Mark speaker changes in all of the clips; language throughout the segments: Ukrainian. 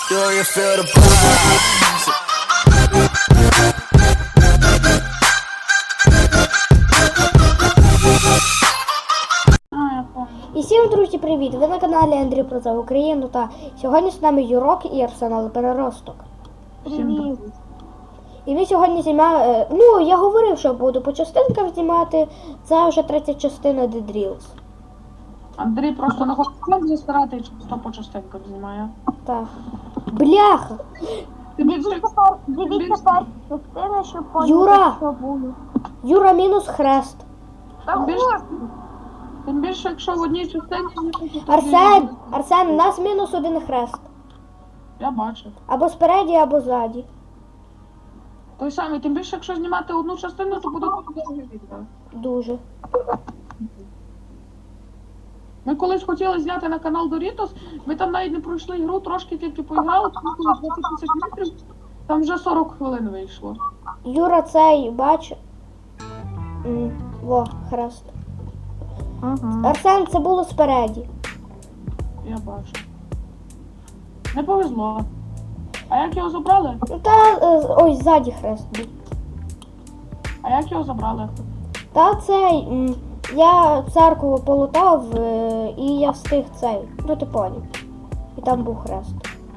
Speaker 1: Do you feel the vibes?
Speaker 2: Я понял.
Speaker 3: І всім, друзі, привіт! Ви на каналі Андрій про за Україну та сьогодні з нами Юрок і Арсенал Переросток.
Speaker 2: Всім привіт.
Speaker 3: І ми сьогодні знімаємо, ну я говорив, що буду по частинках знімати, це вже третя частина The Drills.
Speaker 2: Андрій просто не хоче фон застирати і часто по частинках знімає.
Speaker 3: Так. Бляха!
Speaker 2: Дивіться
Speaker 4: Дивіться частини, щоб
Speaker 3: Юра!
Speaker 4: поняти, що буде.
Speaker 3: Юра мінус хрест.
Speaker 4: Та
Speaker 2: Тим більше, якщо в одній частині знімати, то
Speaker 3: Арсен, у нас мінус один хрест.
Speaker 2: я бачив.
Speaker 3: Або спереді, або ззаді.
Speaker 2: Той самий, тим більше, якщо знімати одну частину, то буде дуже довге відео.
Speaker 3: Дуже.
Speaker 2: Ми колись хотіли зняти на канал Doritos, ми там навіть не пройшли ігру, трошки тільки поіграли, тому коли 20 тисяч метрів, там вже 40 хвилин вийшло.
Speaker 3: Юра цей, бач. Во, хрест. Арсен, це було спереді.
Speaker 2: Я бачу. Не повезло. А як його забрали?
Speaker 3: Ну, та, ой, ззаді хрест був.
Speaker 2: А як його забрали?
Speaker 3: Та цей, я церкву полутав, і я встиг цей, ну ти поняв. І там був хрест.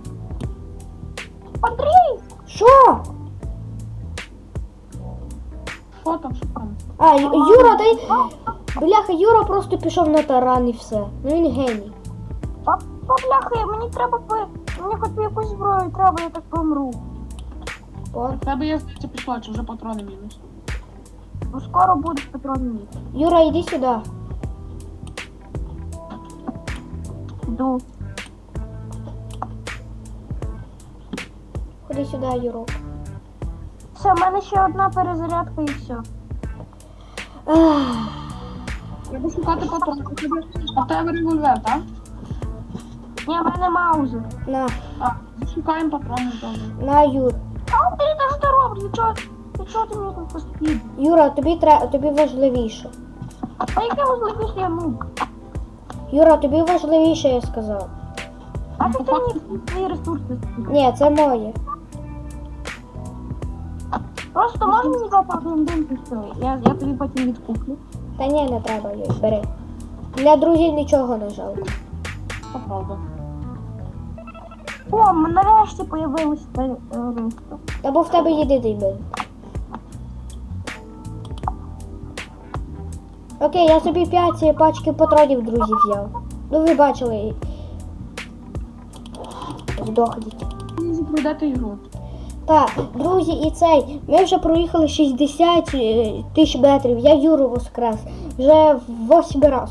Speaker 4: Андрій!
Speaker 3: Що?
Speaker 2: Що там, що там?
Speaker 3: А, Юра, дай. Бляха, Юра просто пішов на таран і все. Ну він геній.
Speaker 4: Бляхи, мені треба мені хоч якусь зброю треба, я так помру.
Speaker 3: О.
Speaker 2: В тебе є, здається, пішла, чи вже патрони мінус?
Speaker 4: Бо скоро буде патронний.
Speaker 3: Юра, йди сюди.
Speaker 4: Йду.
Speaker 3: Ходи сюди, Юрок.
Speaker 4: Все, в мене ще одна перезарядка і все.
Speaker 2: Треба шукати патрони. А в тебе револьвер, так?
Speaker 4: Ні, в мене маузер.
Speaker 3: На,
Speaker 2: Шукаємо патрони добре.
Speaker 3: на, Юр.
Speaker 4: А Андрій, та що ти робиш? Нічого ти мені тут постійно?
Speaker 3: Юра, тобі важливіше.
Speaker 4: А яке важливіше я ну?
Speaker 3: Юра, тобі важливіше, я сказав.
Speaker 4: А ти мені свої ресурси скинь.
Speaker 3: Ні, це моє.
Speaker 4: Просто можеш мені дати один день і все. Я тобі потім відкуплю.
Speaker 3: Та ні, не треба, Юр, бери. Для друзів нічого не жалко.
Speaker 2: Це правда.
Speaker 4: О, нарешті появилось терористи.
Speaker 3: Та бо в тебе єдиний бив. Окей, я собі 5 пачки патронів друзів взяв. Ну ви бачили. Здохніть.
Speaker 2: Ви пройдете ігру.
Speaker 3: Так, друзі, і цей. Ми вже проїхали 60 тисяч метрів. Я Юру воскрес. Вже в 8 раз.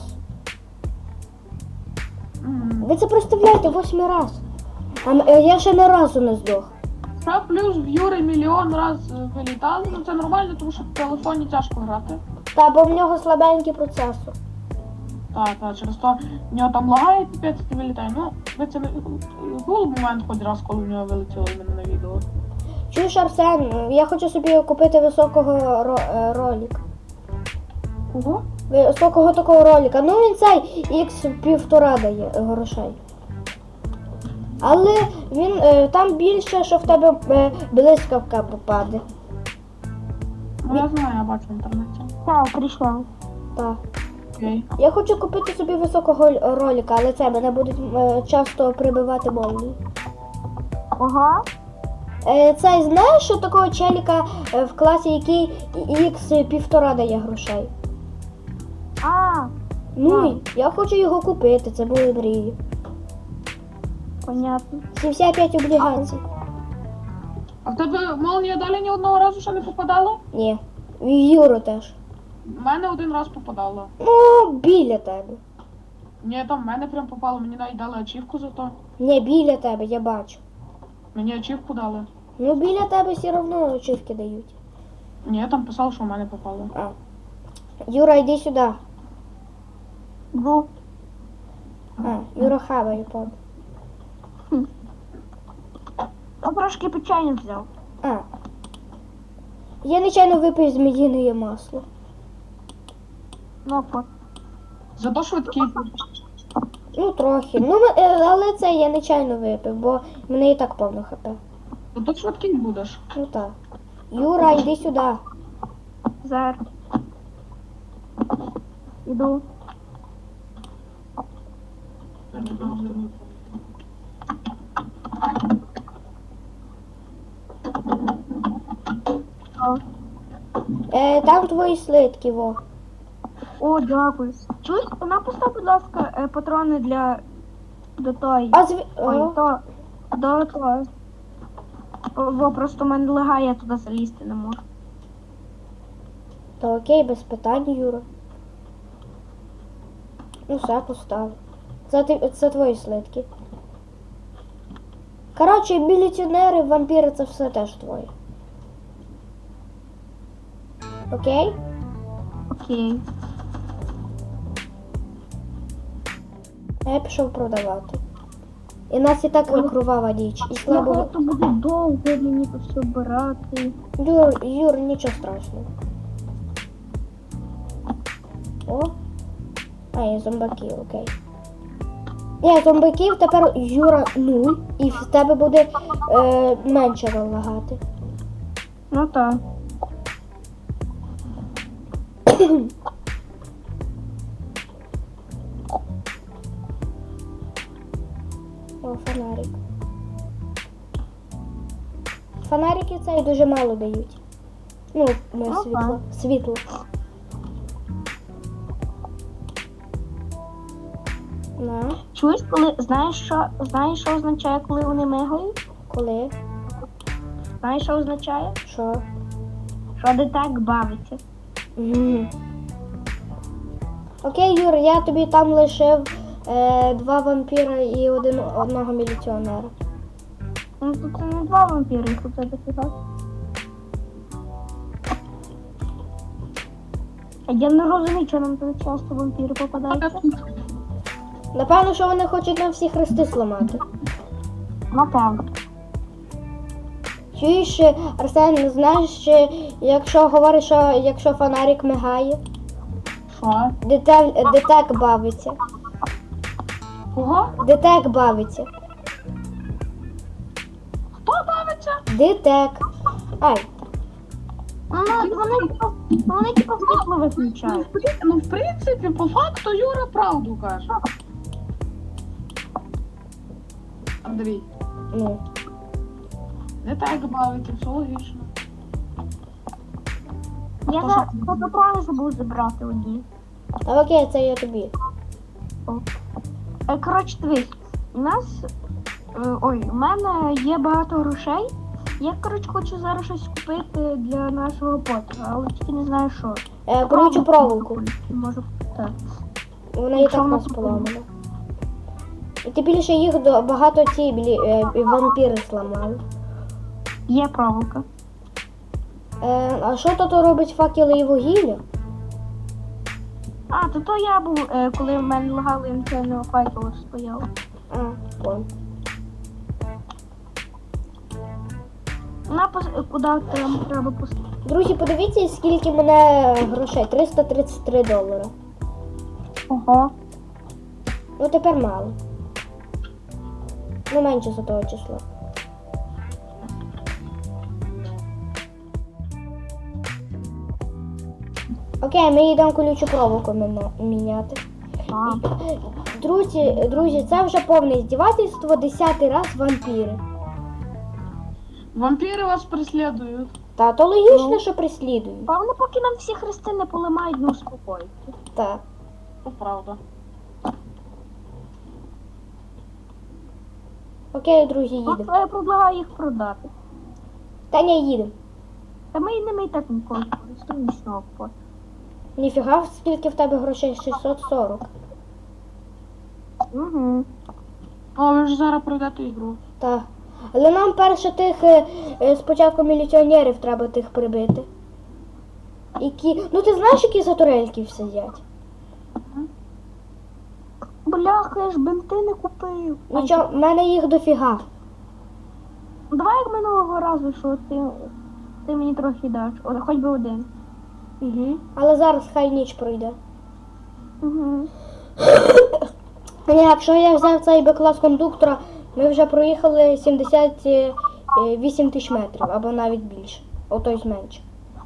Speaker 3: Ви це представляєте, 8 раз. А я ще не разу не здох.
Speaker 2: Ще плюс в Юри мільйон раз вилітали, ну це нормально, тому що в телефоні тяжко грати.
Speaker 3: Та, бо в нього слабенький процесор.
Speaker 2: Так, через то в нього там лагає піпець і вилітає. Ну, ви це був момент хоч раз, коли в нього вилетіло в мене на відео.
Speaker 3: Чуєш, Арсен, я хочу собі купити високого ролика.
Speaker 2: Кого?
Speaker 3: Високого такого ролика. Ну він цей X1,5 дає грошей. Але він там більше, що в тебе блискавка попаде.
Speaker 2: Ну я знаю, я бачу в інтернеті.
Speaker 4: Так, прийшла.
Speaker 3: Так.
Speaker 2: Окей.
Speaker 3: Я хочу купити собі високого ролика, але це мене будуть часто прибивати молнії.
Speaker 4: Ага.
Speaker 3: Цей знаєш, що такого челіка в класі, який X1,5 дає грошей?
Speaker 4: А,
Speaker 3: Ну, я хочу його купити, це були мрії.
Speaker 4: понятно.
Speaker 3: 75 облігацій.
Speaker 2: А в тебе молнія далі ні одного разу ще не попадала?
Speaker 3: Ні. В Юру теж.
Speaker 2: В мене один раз попадала.
Speaker 3: Ну, біля тебе.
Speaker 2: Ні, там в мене прям попало, мені навіть дали ачівку за то.
Speaker 3: Ні, біля тебе, я бачу.
Speaker 2: Мені ачівку дали.
Speaker 3: Ну, біля тебе все одно очівки дають.
Speaker 2: Ні, там писав, що в мене попало.
Speaker 3: А. Юра, йди сюди.
Speaker 4: Йду.
Speaker 3: А, Юра хаває, пап.
Speaker 4: Я трошки печення взяв.
Speaker 3: А. Я нечайно випив зміїне масло.
Speaker 4: Ну,
Speaker 2: Зато швидкий.
Speaker 3: Ну, трохи. Ну, але це я нечайно випив, бо в мене і так повно хп.
Speaker 2: Ну то швидкий будеш.
Speaker 3: Ну так. Юра, йди сюди.
Speaker 4: Зараз. Іду. О,
Speaker 3: Там твої слитки, во.
Speaker 4: О, дякую. Чуєш, напусти, будь ласка, патрони для до тої. Ой,
Speaker 3: О,
Speaker 4: до того. Во, просто в мене лагає, я туди залізти не можу.
Speaker 3: та окей, без питань, Юра. Ну, все, постав. Це твої слитки. Коротше, міліціонери, вампіри, це все теж твоє. Окей?
Speaker 4: Окей.
Speaker 3: Я пішов продавати. І нас і так кровава ніч. І слабо.
Speaker 4: То буде довго мені то все брати.
Speaker 3: Юр, нічого страшного. О. А, є зомбаки, окей. Ні, зомбаків тепер Юра 0, і в тебе буде менше лагати.
Speaker 4: Ну так.
Speaker 3: О, фонарик. Фонарики цей дуже мало дають. Ну, світло. Світло. На,
Speaker 4: Чуєш, коли знаєш, що означає, коли вони мигають?
Speaker 3: коли?
Speaker 4: Знаєш, що означає?
Speaker 3: Що?
Speaker 4: Що де так бавиться.
Speaker 3: Мгм. Окей, Юр, я тобі там лишив 2 вампіра і одного міліціонера.
Speaker 4: Ну тут це не 2 вампіри, їх у тебе фіга. А я не розумію, що нам тут часто вампіри попадаються.
Speaker 3: Напевно, що вони хочуть нам всі хрести зламати.
Speaker 4: Напевно.
Speaker 3: Чуєш, Арсен, знаєш, якщо говориш, що якщо фонарик мигає,
Speaker 2: Що?
Speaker 3: детек бавиться.
Speaker 2: Кого?
Speaker 3: Детек бавиться.
Speaker 2: Хто бавиться?
Speaker 3: Детек. Ай,
Speaker 4: Вони типу світло виключають.
Speaker 2: Ну, в принципі, по факту Юра правду каже. Андрій,
Speaker 3: ну.
Speaker 2: не так бавиться, все логічно.
Speaker 4: Я за патрони забув забрати одні.
Speaker 3: Та окей, це я тобі.
Speaker 4: Коротше, дивись, у нас. У мене є багато грошей. Я, коротше, хочу зараз щось купити для нашого потра, але тільки не знаю що.
Speaker 3: Колючу проволоку.
Speaker 4: Може, так.
Speaker 3: Вона і
Speaker 4: Якщо
Speaker 3: так
Speaker 4: вона
Speaker 3: нас поламана. І ти більше їх багато ці вампіри зламали.
Speaker 4: Є проволока.
Speaker 3: А що тут робить факели і вугілля?
Speaker 4: А, то я був, коли в мене лагали інтернет факел стояв.
Speaker 3: А, вон.
Speaker 4: Куди там треба пустити?
Speaker 3: Друзі, подивіться, скільки в мене грошей. $333.
Speaker 4: Ого.
Speaker 3: Ну тепер мало. Ну менше за того числа. Окей, ми йдемо колючу проволоку міняти.
Speaker 4: А.
Speaker 3: Друзі, це вже повне здівательство, 10-й раз вампіри.
Speaker 2: Вампіри вас преслідують.
Speaker 3: Та то логічно, що преслідують.
Speaker 4: Та вони поки нам всі хрести не поламають, ну успокоїться.
Speaker 3: Так.
Speaker 2: То правда.
Speaker 3: Окей, друзі, їдемо.
Speaker 4: Я предлагаю їх продати.
Speaker 3: Та ні, їдемо.
Speaker 4: Та ми ними і так ніколи не користуємося.
Speaker 3: Ніфіга, скільки в тебе грошей? 640.
Speaker 4: Угу.
Speaker 2: О, ви ж зараз пройдете ігру.
Speaker 3: Так. Але нам перше тих спочатку міліціонерів треба тих прибити. Ну ти знаєш, які за турельків сидять?
Speaker 4: Бляха, я ж бенти не купив.
Speaker 3: Нічого, в мене їх дофіга.
Speaker 4: Давай як минулого разу, що ти мені трохи даш. Хоч би один.
Speaker 3: Угу. Але зараз хай ніч пройде.
Speaker 4: Угу.
Speaker 3: Ні, якщо я взяв цей Б-клас кондуктора, ми вже проїхали 78 тисяч метрів, або навіть більше. Ото й менше.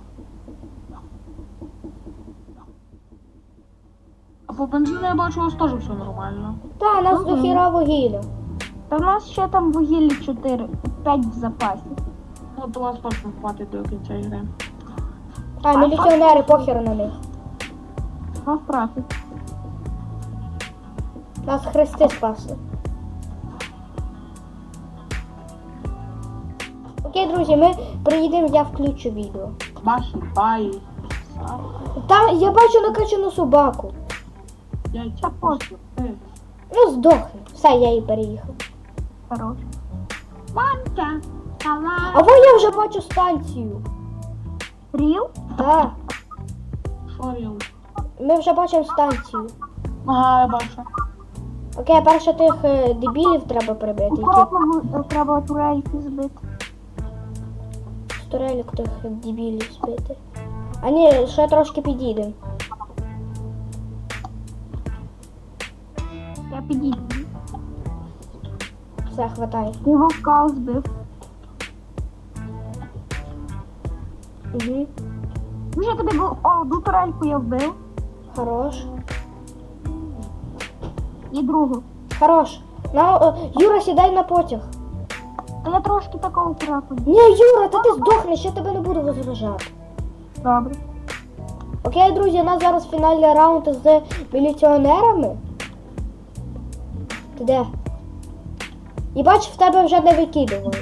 Speaker 2: А по бензину я бачу, у вас теж все нормально.
Speaker 3: Та, нас до хіра вугілля.
Speaker 4: Та в нас ще там вугілля 4-5 в запасі.
Speaker 2: Ну, то вас точно хватить до кінця ігри.
Speaker 3: А, міліціонери, похер на них.
Speaker 4: Нас трафить.
Speaker 3: Нас хрести спасли. Окей, друзі, ми приїдемо, я включу відео.
Speaker 2: Маші, баї, сахар,
Speaker 3: Там я бачу накачану собаку.
Speaker 2: яйця,
Speaker 4: Та пофіг.
Speaker 3: Ну, здохне. Все, я її переїхав.
Speaker 4: Хорош.
Speaker 2: Манка,
Speaker 3: А во я вже бачу станцію.
Speaker 4: Ріл?
Speaker 3: Так,
Speaker 2: шоріл.
Speaker 3: ми вже бачимо станцію.
Speaker 2: Ага, я бачу.
Speaker 3: Окей, перше тих дебілів треба прибити, які
Speaker 4: Треба турельки збити.
Speaker 3: з турелік тих дебілів збити. А ні, ще трошки підійдемо.
Speaker 4: Я підійду.
Speaker 3: Все, хватає.
Speaker 4: Ти вовка збив.
Speaker 3: Угу.
Speaker 4: Вже тобі був одну турельку я вбив.
Speaker 3: Хорош.
Speaker 4: І другу.
Speaker 3: Хорош. Юра, сідай на потяг.
Speaker 4: Та я трошки такого крапу.
Speaker 3: Ні, Юра, та ти здохнеш, я тебе не буду возражати.
Speaker 4: Добре.
Speaker 3: Окей, друзі, у нас зараз фінальний раунд з міліціонерами. Ти де? І бач, в тебе вже не викидували.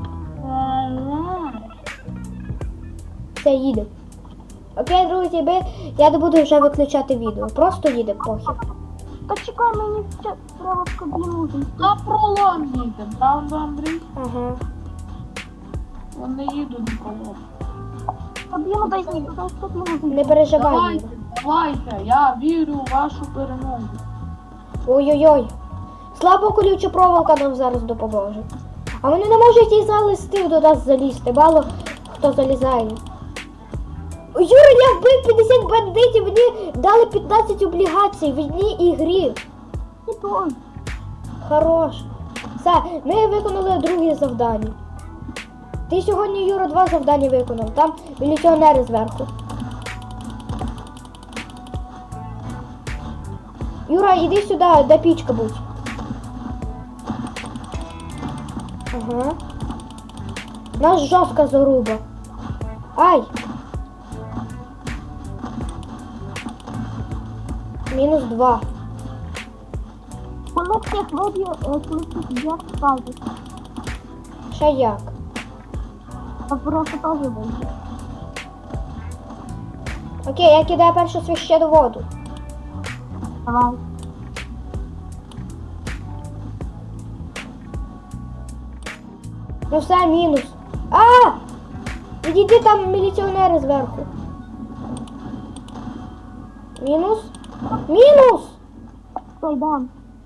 Speaker 3: Все, їдемо. Окей, друзі, я не буду вже виключати відео. Просто їдемо, похер.
Speaker 4: Та чекай, мені ще треба в кабіну зайти.
Speaker 2: На пролом їдемо, правда, Андрій?
Speaker 3: Ага.
Speaker 2: Вони їдуть на пролом.
Speaker 4: Кабіну дай зайти, дай в кабіну зайти.
Speaker 3: Не переживай,
Speaker 2: Давайте,
Speaker 3: Юра.
Speaker 2: давайте, я вірю в вашу перемогу.
Speaker 3: Ой-ой-ой. Слабо колюча проволока нам зараз допоможе. А вони не можуть і залізти до нас залізти. Мало хто залізає. Ой, Юра, я вбив 50 бандитів, мені дали 15 облігацій в одній ігрі.
Speaker 4: І той.
Speaker 3: Хорош. Все, ми виконали друге завдання. Ти сьогодні, Юра, 2 завдання виконав. Там міліціонери зверху. Юра, іди сюди, де пічка будь. Ага. Нас жорстка заруба. Ай! Мінус 2.
Speaker 4: Воно всіх виб'є, коли тут я скажу.
Speaker 3: Ще як?
Speaker 4: А просто теж вийде.
Speaker 3: Окей, я кидаю першу священну воду.
Speaker 4: Давай.
Speaker 3: Ну все, мінус. А! Відійди, там міліціонери зверху. Мінус. Мінус!
Speaker 4: Стой, дам.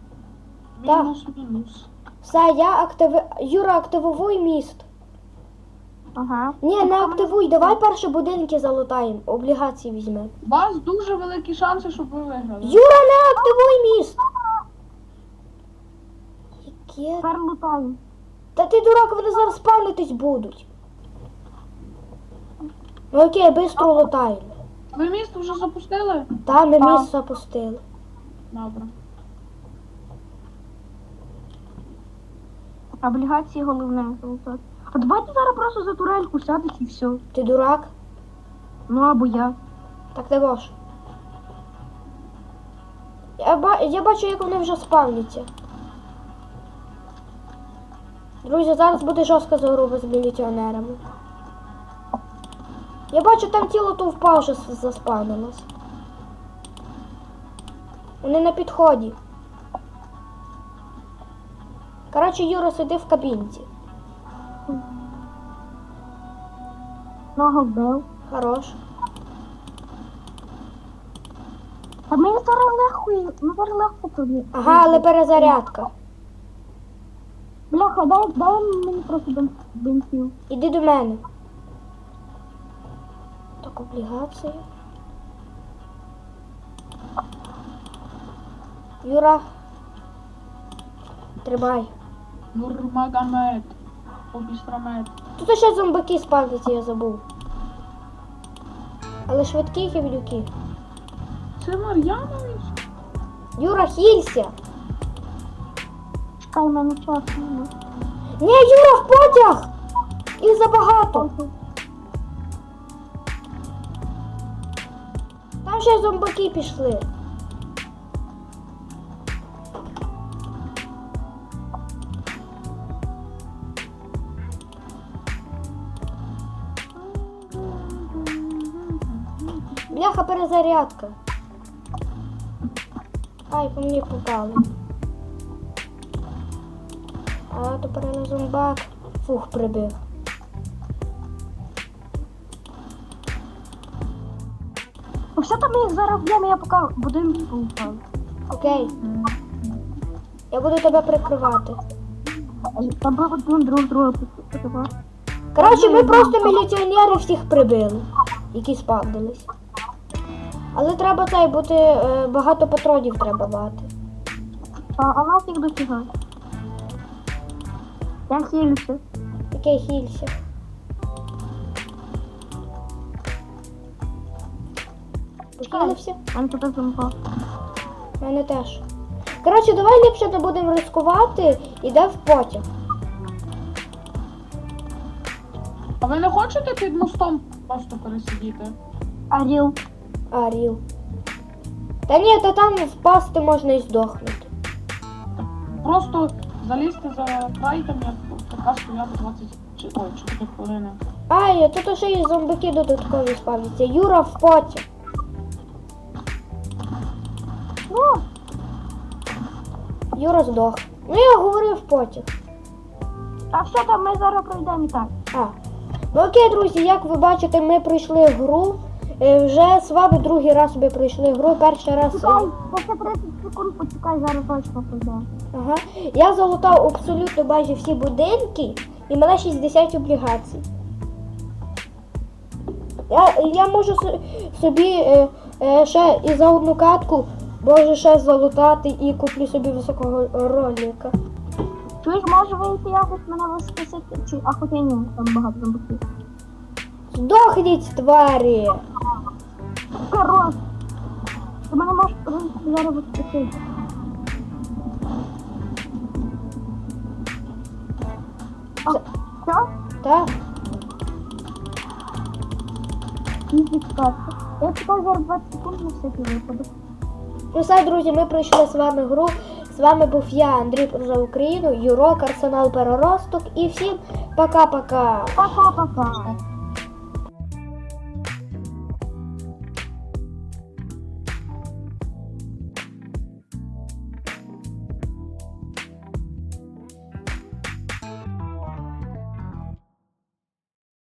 Speaker 2: Мінус.
Speaker 3: Все, Юра, активуй міст.
Speaker 4: Ага.
Speaker 3: Ні, не активуй, давай перші будинки залутаємо, облігації візьмемо.
Speaker 2: У вас дуже великі шанси, щоб ви виграли.
Speaker 3: Юра, не активуй міст! Яке?
Speaker 4: Тепер лутаємо.
Speaker 3: Та ти дурак, вони зараз спавнитись будуть. Ну окей, бистро лутаємо.
Speaker 2: Ви місто вже запустили?
Speaker 3: Та, ми
Speaker 4: Так.
Speaker 3: міст запустили.
Speaker 2: Добре.
Speaker 4: Облігації головне залутати. А давайте зараз просто за турельку сядеш і все.
Speaker 3: Ти дурак?
Speaker 4: Ну або я.
Speaker 3: Так не можеш. Я бачу, як вони вже спавняться. Друзі, зараз буде жорстка заруба з міліціонерами. Я бачу, там тіло то впав, вже заспавнилось. Вони на підході. Коротше, Юра, сиди в кабінці.
Speaker 4: Ногу вбив.
Speaker 3: Хорош.
Speaker 4: Та мені зараз легко тобі.
Speaker 3: Ага, але перезарядка.
Speaker 4: Бляха, дай мені просто бензин.
Speaker 3: Іди до мене. Так, облігації. Юра, Тримай.
Speaker 2: Нурмагомед. Обістрамед.
Speaker 3: Тут ще зомбаки спавняться, я забув. Але швидкі гівнюки.
Speaker 2: Це Мар'янович?
Speaker 3: Юра, хілься!
Speaker 4: Чекай, в мене час немає.
Speaker 3: Ні, Юра, в потяг! Їх забагато. Там ще зомбаки пішли. Бляха, перезарядка. Ай, по мені попали. А, то перейно зомбак. Фух, прибив.
Speaker 4: Ну все там їх зараз б'ємо, я поки будинок поупав.
Speaker 3: Окей. Я буду тебе прикривати.
Speaker 4: Там було друг друга.
Speaker 3: Коротше, ми просто міліціонери всіх прибили, які спавнились. Але треба цей бути, багато патронів треба мати.
Speaker 4: А нас їх дофіга. Я хилюся.
Speaker 3: Окей, хілься. Похилився?
Speaker 4: Мене тут зомба.
Speaker 3: У мене теж. Коротше, давай ліпше не будемо ризикувати, іде в потяг.
Speaker 2: А ви не хочете під мостом просто пересидіти?
Speaker 4: Аріл.
Speaker 3: Аріл. Та ні, та там впасти можна і здохнути.
Speaker 2: Просто залізти за край, там як така стояти 4 хвилини.
Speaker 3: Ай, тут ще і зомбаки додаткові спавняться. Юра в потяг.
Speaker 4: Ну,
Speaker 3: Юра здох. Ну я говорив потяг.
Speaker 4: а все там ми зараз пройдемо і так.
Speaker 3: А. Ну окей, друзі, як ви бачите, ми пройшли гру. Вже з вами другий раз ми пройшли гру. Перший раз.
Speaker 4: Чекай, ще 30 секунд почекай, зараз точно пройдемо.
Speaker 3: Ага. Я залутав абсолютно майже всі будинки і мене 60 облігацій. Я можу собі ще і за одну катку можу ще залутати і куплю собі високого ролика.
Speaker 4: Чуєш, може вийти якось мене воскресити? Чи, а хоча ні, там багато зомбаків.
Speaker 3: Здохніть, тварі!
Speaker 4: Корос! Ти мене можеш зараз воскресити. А, що?
Speaker 3: Так?
Speaker 4: Не підказка. Я чекаю зараз 20 секунд на всякий випадок.
Speaker 3: Ну все, друзі, ми пройшли з вами гру. З вами був я, Андрій за Україну, Юрок, Арсенал Переросток і всім пока-пока!
Speaker 4: Пока-пока.